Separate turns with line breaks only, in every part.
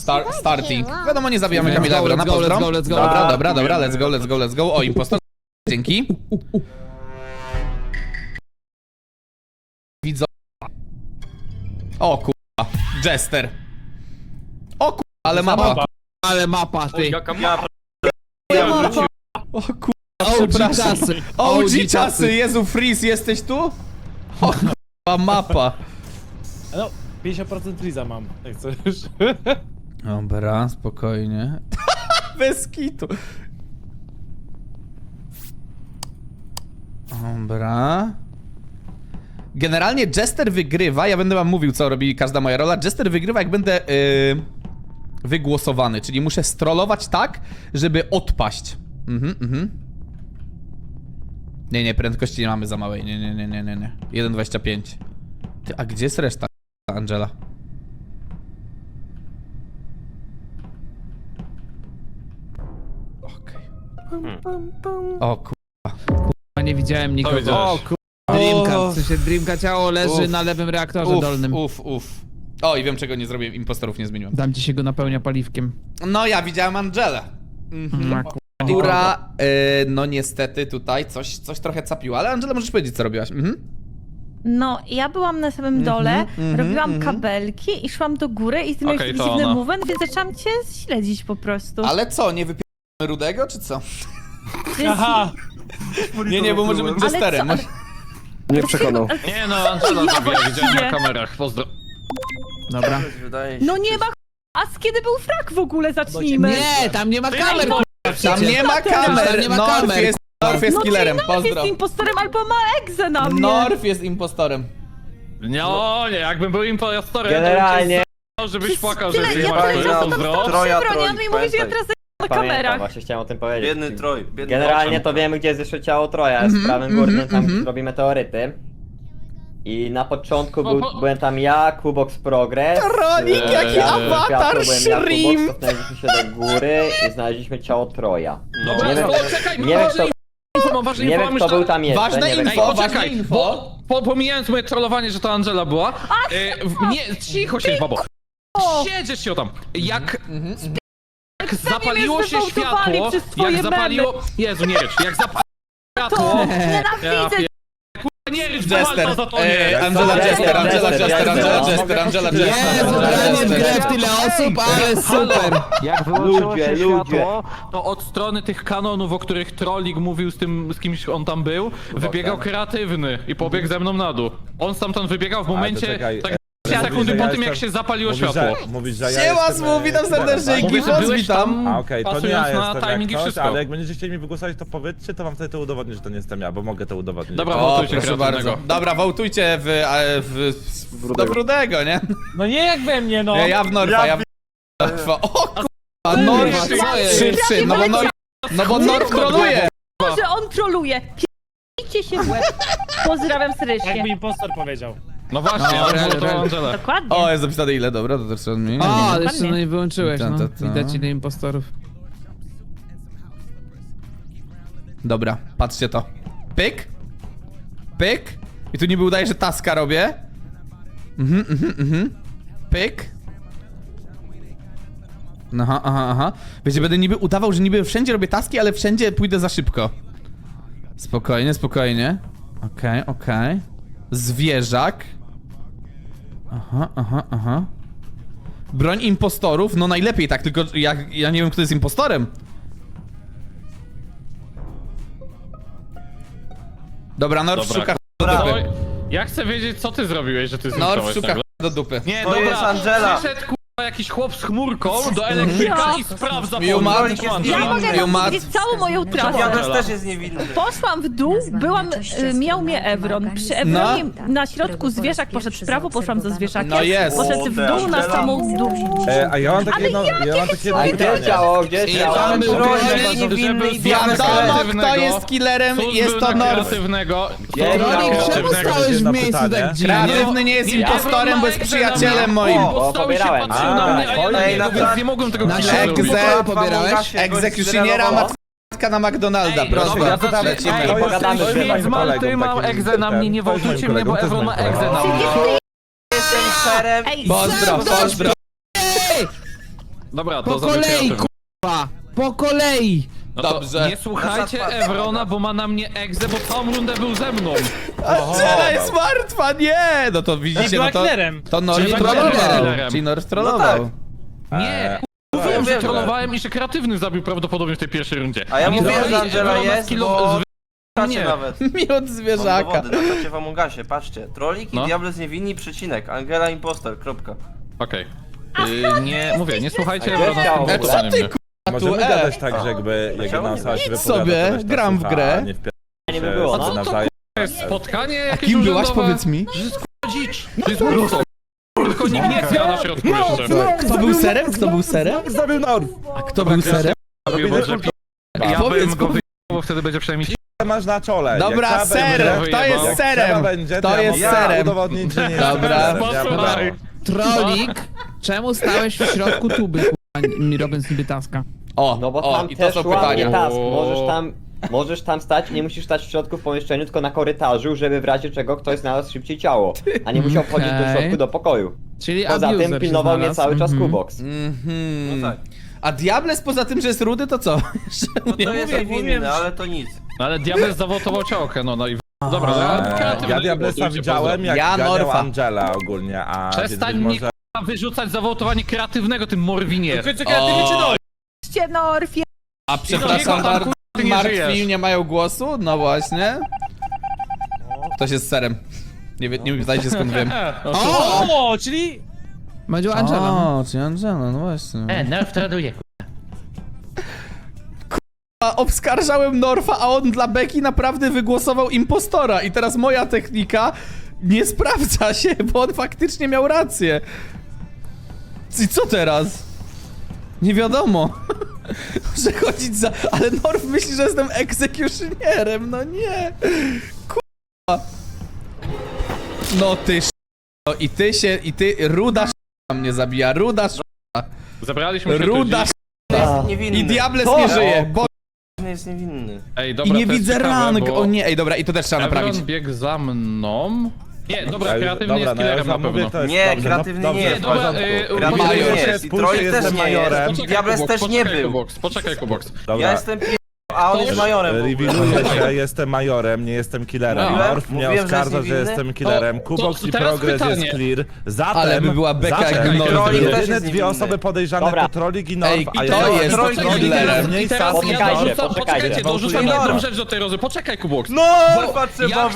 starting. Wiadomo, nie zabijamy Kamila Evrona, pozdro.
Let's go.
Dobra, let's go. O, impostor. Dzięki. Widzę. O kurwa, Jester. O kurwa, ale mapa.
Ale mapa, ty.
O kurwa,
OG
przepraszam.
czasy.
OG czasy, Jezu, Freeze, jesteś tu? O kurwa, mapa.
No, 50% Freeza mam, jak chcesz.
Dobra, spokojnie. Bez kitu. Dobra. Generalnie Jester wygrywa, ja będę wam mówił, co robi każda moja rola. Jester wygrywa, jak będę wygłosowany, czyli muszę strollować tak, żeby odpaść. Nie, prędkości nie mamy za małej, nie. 1,25. Ty, a gdzie jest reszta, Angela? Okej. O kurwa.
Nie widziałem nikogo.
widziałeś?
Dreamka, w sensie Dreamka ciało leży na lewym reaktorze dolnym.
O, i wiem, czego nie zrobiłem, impostorów nie zmieniłem.
Dam ci się go napełnia paliwkiem.
No, ja widziałem Angelę. Która, no niestety tutaj coś trochę capiła, ale Angela, możesz powiedzieć, co robiłaś.
No, ja byłam na samym dole, robiłam kabelki i szłam do góry i ty miałeś
Okej,
taki
to
dziwny
ona.
movement, więc zaczęłam cię śledzić po prostu.
Ale co, nie wypieramy Rudego, czy co?
Aha!
Nie, bo może być
Ale
Jesterem.
co?
Nie przekonał.
Nie no, Angela zabija, widziałem na kamerach, pozdro.
Dobra.
No nie ma a z kiedy był frak w ogóle, zacznijmy.
Nie, tam nie ma kamer.
Tam nie ma kamer!
Tam nie ma
Norf
kamer.
jest
No
killerem,
czyli Norf
pozdro.
jest impostorem albo ma egzę na mnie.
Norf jest impostorem.
Nie, jakbym był impostorem,
Generalnie.
to żebyś płakał,
Tyle,
że
ja
nie ma
tyle czasu tam
pozdro.
Troja,
broni, on
Troj,
mi mówi, że ja
pamiętaj.
teraz na
Pamiętam,
kamerach.
właśnie chciałem o tym powiedzieć.
Biedny Troj, biedny
Generalnie
Troj.
to wiemy, gdzie jest jeszcze ciało Troja, jest w prawym górnym, tam gdzie robi meteoryty. I na początku byłem tam ja, Kubox Progress.
Tronik, jaki awatar, Shrim!
Cofnęliśmy się do góry i znaleźliśmy ciało Troja.
Dobra,
Nie wiem,
to czekaj,
nie wiem,
ważne
nie wiem, kto był tam jeszcze.
Ważne
nie wiem,
info,
kto-
ważne
Poczekaj,
info.
pomijając moje trollowanie, że to Angela była. Nie, cicho się, babo. Siedzisz się tam. Jak zapaliło się
mnie zdewołtowali
światło,
przez twoje
jak zapaliło... Jezu, nie rycz, jak zapaliło światło...
Nienawidzę.
Nie rycz,
Jester,
za to nie.
Angela Jester, Angela
Jester,
Jester, Angela Jester, Angela
Jezu, granie w grę w tyle osób, ale super.
Jak wyłączyło
Ludzie,
się
ludzie.
światło, to od strony tych kanonów, o których Trollik mówił z kimś on tam był, wybiegał kreatywny i pobiegł ze mną na dół. On stamtąd wybiegał w momencie,
czekaj,
tak
mówisz,
sekundy
że
po
ja
tym jak
jestem-
się zapaliło
Mówisz,
światło.
Mówisz, że ja
Siema,
jestem,
witam serdecznie,
tak?
Mówię, że
Gibos,
byłeś
witam.
tam,
A okej, to nie
pasując
ja
na
jestem
timing i
jak ktoś,
wszystko.
ale jak będziecie chcieli mi wygłosować, to powiedzcie, to wam wtedy to udowodnię, że to nie jestem ja, bo mogę to udowodnić.
Dobra,
O,
wołtujcie
proszę
kreatywnego.
bardzo. Dobra, wołtujcie do Brudego, nie?
No nie jak we mnie, no!
Ja w Norfa, ja w Norfa. O kurwa, Norf
co jest?
3-3, no bo Norf troluje.
Że on troluje. Picie się w łeb. Pozdrawiam serdecznie.
Jakby impostor powiedział.
No właśnie,
No,
on
real,
to
real.
Angela.
Dokładnie.
O, jest zapisane ile, dobra, to też trzeba zmienić.
O, jeszcze no nie wyłączyłeś,
Ta,
no.
ta, ta.
Widać ile impostorów.
Dobra, patrzcie to. Pyk. Pyk. I tu niby udaje, że taska robię. Pyk. Aha. Wiecie, będę niby udawał, że niby wszędzie robię taski, ale wszędzie pójdę za szybko. Spokojnie. Okej. Zwierzak. Aha. Broń impostorów, no najlepiej tak, tylko ja nie wiem, kto jest impostorem. Dobra, Norf
Dobra,
szuka do
No,
dupy.
ja chcę wiedzieć, co ty zrobiłeś, że ty
Norf
zniknąłeś
szuka
nagle.
do dupy.
Nie,
To
dobra,
jest Angela.
przyszedł jakiś chłop z chmurką do elektryka i sprawdza
Jumat,
Trolik jest
Ja mogę
niewinny.
wam powiedzieć całą moją trasę.
Janusz też jest niewinny.
Poszłam w dół, miał mnie Evron. Przy Evronie na środku zwierzak poszedł w prawo, poszłam za zwierzakiem.
No jest.
Poszedł w dół na samą dół.
A ja mam takie jedno,
A gdzie jest ciało? Gdzie jest ciało?
tam był
Troj
Trolik,
jest niewinny i
Wiadomo,
kreatywnego.
kto jest killerem,
Cóż
jest
był
to
na
Norf.
kreatywnego.
Jest
Trolik,
ciało.
czemu stałeś w miejscu tak dziwnie?
Kreatywny nie jest
Nie,
impostorem, bo jest
Evron ma
przyjacielem moim.
Bo stał i się
pobierałem.
patrzył na mnie, a ja na
Ej,
niego,
na
więc nie mogłem tego
Na
killa
środku
zrobić.
pokoju pobierałeś?
Egzekucjoniera matka na McDonalda,
Ej,
proszę.
dobra,
bardzo,
zacznę-
lecimy.
Ej,
To jest
pogadamy,
moim
że
kolegą,
z Malty mam
takim
egzę na mnie, nie
to jest moim
wołtujcie mnie, bo
kolegą, to
Evron ma
jest moim
egzę na
kolegą.
mnie.
Jestem serem.
Ej,
Pozdro.
Dobra, to
Po
zrobię
kolei,
kreatywny.
kurwa! Po kolei!
No to
Dobrze.
nie słuchajcie Evrona, bo ma na mnie egzę, bo całą rundę był ze mną.
Angela jest martwa, nie! No to widzicie,
była
no to...
killerem.
To Norf
Czyli
trollował.
killerem.
Czyli Norf trollował.
Nie, mówiłem, że trollowałem i że kreatywny zabił prawdopodobnie w tej pierwszej rundzie.
A ja
Nie
mówiłem,
dali
że Angela
Evrona
jest,
z kilo-
bo...
z-
Patrzcie
Nie.
nawet.
Miód
Mam
zwierzaka.
dowody, na czacie w Amongasie, patrzcie. Trolik i
No.
Diables niewinni, przecinek. Angela imposter, kropka.
Okej. Nie, mówię, nie słuchajcie
A gdzie
Evrona z
chciał?
tym
Co
głosowaniem
ty,
mnie.
Możemy
tu,
gadać tak, że jakby jak
Chciałem
jedna osoba się
Idź
wypowiada,
sobie,
to reszta
gram w
słucha,
grę.
a nie wpierdala
Nie
się
by było,
A co to
nawzajem.
To jest spotkanie
A
jakieś
kim byłaś,
urzędowe?
powiedz mi?
Że jest k***a dzicz. To jest mocno. Tylko nikt nie zjada na środku jeszcze.
Kto był serem? Kto był serem?
Zabił Norf!
A kto był serem?
Ja
Powiedz,
bym go
powiedz.
bo wtedy będzie przynajmniej...
Masz na czole.
Dobra,
Jak trzeba
ser!
będzie-
To jest
jak
serem!
trzeba będzie,
To
ja
jest
mogę
serem!
udowodnić, że nie
Dobra.
jestem serem.
Posłuchaj.
Trolik, czemu stałeś w środku tuby, kurwa, robiąc niby taska?
O,
No bo
o,
tam
i to
też
są
łamie
pytania.
task. Możesz tam stać, nie musisz stać w środku w pomieszczeniu, tylko na korytarzu, żeby w razie czego ktoś znalazł szybciej ciało. A nie musiał wchodzić do środku do pokoju.
Czyli
Poza
abuser
tym
się
pilnował mnie
znalazł.
cały czas
Mhm.
Kubox.
Mhm.
No tak.
A Diables poza tym, że jest rudy, to co?
No to jest niewinny, ale to nic.
No ale Diabeł zawołtował ciało no i... Dobra, ja kreatywny.
Ja Diablesa
Głosujcie,
widziałem, jak
Ja
ganiał
Norfa.
Angela ogólnie, a
Przestań
więc
mnie
może...
k***a, wyrzucać za wołtowanie kreatywnego, tym Morwinie.
Tylko kreatywnie czy no?
Cię, Norfie.
A przepraszam,
tam, kurwa, ty nie
martwi
żyjesz.
nie mają głosu? No właśnie. Ktoś jest serem. Nie pytajcie skąd wiem.
O, czyli...
Będzie Angela.
O, czy Angela, no właśnie.
Nerf traduje.
A obskarżałem Norfa, a on dla Beki naprawdę wygłosował impostora. I teraz moja technika nie sprawdza się, bo on faktycznie miał rację. I co teraz? Nie wiadomo. Muszę chodzić za... Ale Norf myśli, że jestem egzekucjonierem, no nie. Kurwa. No ty no i ty, ruda mnie zabija, ruda
Zabraliśmy się
ruda
Jest niewinny.
i Diables
Co?
nie żyje, bo...
Nie jest niewinny.
Ej,
I
dobra,
nie
to jest
widzę
ciekawe,
rank,
bo
o nie, ej dobra, i to też trzeba naprawić.
Evron biegł za mną. Nie, dobra, kreatywny
Dobra,
jest
no ja
killerem
już
na
wam mówię,
pewno.
to jest
Nie,
dobrze,
kreatywny
dobrze,
nie jest.
w
Dobra,
porządku.
Kreatywny
Major.
nie jest i Trolik też
jestem
nie
majorem.
jest. Diables też nie był.
Poczekaj, Kubox.
Dobra.
Ja jestem a on jest majorem. w ogóle.
Revealuję się, jestem majorem, nie jestem killerem.
No.
Norf mnie
Mówiłem, że
oskarża,
jest
że
niewinny?
jestem killerem. Kubox i
teraz
Progress
pytanie.
jest clear. Zatem,
Ale by była beka,
zatem,
jakby
Norf
Trolik
był.
też
jedyne
jest
dwie
niewinny.
osoby podejrzane
Dobra.
to Trolik i Norf,
Ej,
a
i
ja
to jest
Trolik
killerem.
I teraz ja
Poczekajcie,
dorzucam,
poczekajcie.
poczekajcie, dorzucam
Gwałtujemy
jedną
Norf.
rzecz do tej rozmowy. Poczekaj, Kubox.
Norfa trzeba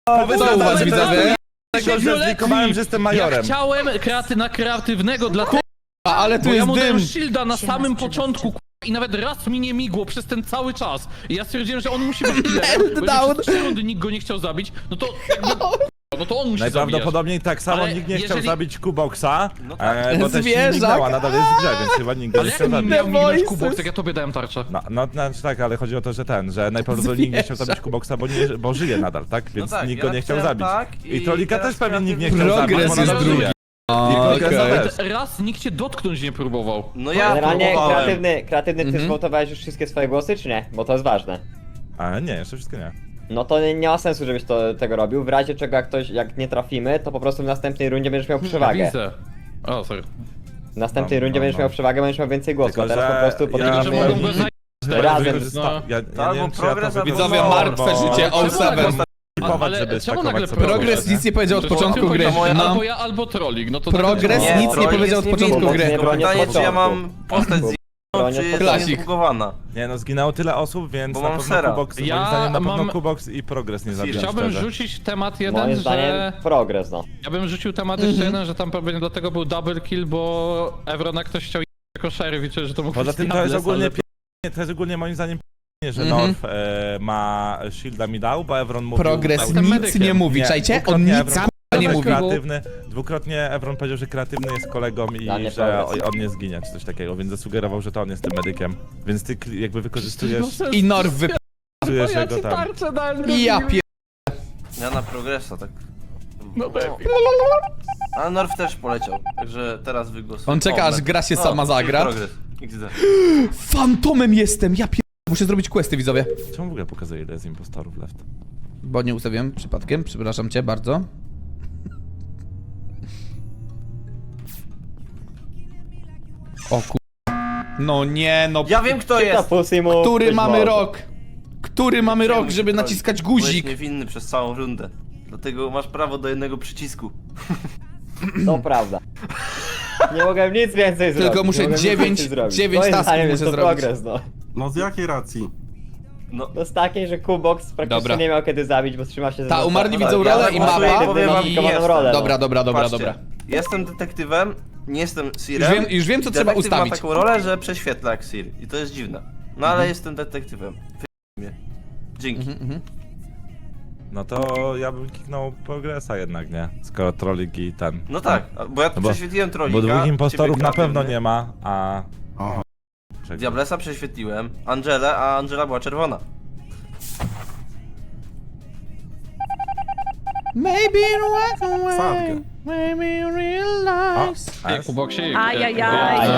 Co u was widzowie?
tego, że zlikowałem, że jestem majorem.
Ja chciałem na kreatywnego dlatego,
Ale tu
bo ja
jest
mu
dym.
dałem shielda na samym początku i nawet raz mi nie migło przez ten cały czas. I ja stwierdziłem, że on musi być killerem, bo
down.
jeżeli przez 3 rundy nikt go nie chciał zabić, no to jakby, no to on musi zabijać.
Najprawdopodobniej tak samo
Ale
nikt nie chciał
jeżeli-
zabić Kuboxa,
No tak.
bo też się
Zwierzak.
mignęła, nadal jest w grze, więc chyba nikt go
Ale
nie
jak
chciał
mi
zabić.
miał mignąć
voices.
Kubox, jak ja tobie dałem tarczę?
No, znaczy tak, ale chodzi o to, że najprawdopodobniej nikt nie chciał zabić Kuboxa, bo żyje nadal, tak? Więc
tak,
nikt
ja
go nie chciał
napisałem
zabić.
tak
I
i
Trolika
teraz
też pewnie nikt nie
kreatywny-
chciał zabić,
Progres
bo
jest
nadal
drugi.
żyje.
O,
I Progress
okej.
też.
Nawet raz nikt cię dotknąć nie próbował.
No ja
Generalnie
próbowałem.
kreatywny ty zwołtowałeś już wszystkie swoje głosy, czy nie? Bo to jest ważne.
Ale nie, jeszcze wszystko nie.
No to nie ma sensu, żebyś tego robił. W razie czego jak nie trafimy, to po prostu w następnej rundzie będziesz miał przewagę.
Widzę. O, sorry.
W następnej
No,
rundzie
no,
będziesz
no.
miał przewagę, będziesz miał więcej głosów.
Tylko,
A teraz
że
po prostu
ja-
Tylko, że
podejdziemy...
mogą go znaleźć.
Razem.
No.
Ja
Albo
nie wiem, czy ja to
Progress, albo
Widzowie,
No,
martwe
bo-
życie,
ale-
07.
Ale
żeby
czemu
stakować
nagle
sobie
Progress
nie?
nic nie powiedział od
Przecież
początku
tylko
gry.
to moja,
No.
albo ja, albo Trolik, no to
Progress
tak
nic nie
Trolik
powiedział
jest
od początku
niewinny.
gry.
Nie bronię
Pytanie,
od
czy ja
początku.
mam postać z
Bronię
czy jest
Klasik.
zbugowana.
Nie no, zginęło tyle osób, więc
Bo
na
mam
pewno
sera.
Kubox,
Ja
moim zdaniem na pewno
mam-
Kubox i Progress nie zabiją,
Chciałbym
szczerze.
rzucić temat
Moim
jeden,
zdaniem
że...
progres, no.
Ja bym rzucił temat jeszcze jeden, że tam pewnie dlatego był double kill, bo Evrona ktoś chciał jako sheriff i czuję, że to mógł
Poza
być
tym to jest
Diables,
ogólnie
ale-
to jest ogólnie moim zdaniem że
Mhm.
Norf ma shielda mi dał, bo Evron mówił...
Progress
Jestem
nic
medykiem.
nie mówi, czajcie? On
dwukrotnie
nic
Evron
k***a nie
powiedział, że
mówi.
kreatywny, dwukrotnie Evron powiedział, że kreatywny jest kolegą i
Dla mnie
że
Progress.
on nie zginie, czy coś takiego, więc zasugerował, że to on jest tym medykiem. Więc ty jakby wykorzystujesz
I Norf
jego tam...
Ja pier...
Ja na progresa, tak.
No
A Norf też poleciał, także teraz wygłosuję.
On czeka,
O,
aż gra się
no,
sama zagra.
Progres. XD.
Fantomem jestem, ja pier... Muszę zrobić questy, widzowie.
Czemu w ogóle pokazuje, ile jest impostorów left?
Bo nie ustawiłem przypadkiem, przepraszam cię bardzo. O kur... No nie, no.
Ja wiem kto
Czyta
jest!
Pussy mu.
Który
ktoś
mamy
może.
rok? Który mamy
Czemu
rok,
się
żeby
troli?
naciskać
Byłeś
guzik?
niewinny przez całą rundę. Dlatego masz prawo do jednego przycisku.
To prawda. Nie mogłem nic więcej zrobić.
Tylko muszę
nie mogłem nic
9
więcej zrobić.
9
Moim
tasków
zdaniem
muszę
jest to
zrobić.
progres, no.
No z jakiej racji?
No,
No z takiej, że Kubox praktycznie
Dobra.
nie miał kiedy zabić, bo trzyma się
Ta, umarli widzą
ja
rolę i
zagłosuję,
mapa.
powiem wam,
I...
kim jestem.
rolę. no.
Dobra.
patrzcie, jestem detektywem, nie jestem Sirem.
Już wiem, co trzeba
Detektyw
ustawić.
ma taką rolę, że prześwietla jak Sir. I to jest dziwne. No ale jestem detektywem. Mnie. Dzięki.
No to ja bym kliknął progresa jednak, nie? Skoro trolling i ten.
No tak, bo ja
No bo-
prześwietliłem trolika.
Bo dwóch impostorów
ciebie
na pewno
kreatywnie.
nie ma, a...
Aha.
Diablesa prześwietliłem, Angelę, a Angela była czerwona.
Maybe walk away.
Sadkę.
Maybe
A,
realize.
S.
Kuboksik.
Ajajaj.